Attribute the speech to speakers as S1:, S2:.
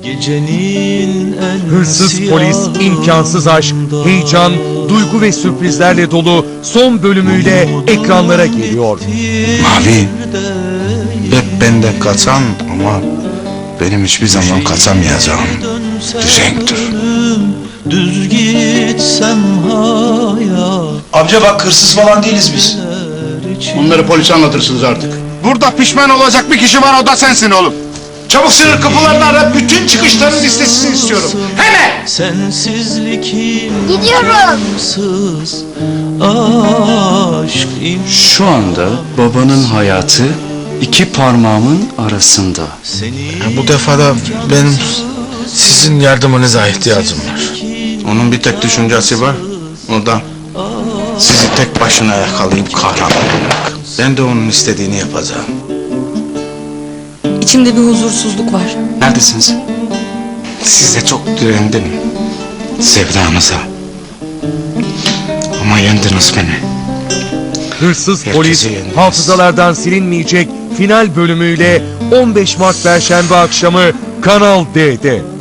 S1: Gecenin en
S2: Hırsız polis, imkansız aşk, heyecan, duygu ve sürprizlerle dolu son bölümüyle ekranlara geliyor.
S3: Mavi, hep benden kaçan ama benim hiçbir zaman kaçamayacağım düzenktir.
S1: Düz gitsem hayat.
S4: Amca bak, hırsız falan değiliz biz.
S5: Onları polise anlatırsınız artık.
S3: Burada pişman olacak bir kişi var, o da sensin oğlum.
S4: Çabuk sınır kapılarını ara, bütün çıkışların listesini istiyorum. Hemen!
S1: Sensizlik
S6: Gidiyorum.
S1: imkansız. Aşk
S7: Şu anda babanın hayatı iki parmağımın arasında.
S3: Bu defa da benim sizin yardımınıza ihtiyacım var. Onun bir tek düşüncesi var, o da sizi tek başına yakalayıp kahraman olmak. Ben de onun istediğini yapacağım.
S8: İçimde bir huzursuzluk var.
S7: Neredesiniz?
S3: Size çok direndim, sevdanıza. Ama yendiniz beni.
S2: Hırsız
S3: Herkesi
S2: polis,
S3: yendiniz.
S2: hafızalardan silinmeyecek final bölümüyle 15 Mart Perşembe akşamı Kanal D'de.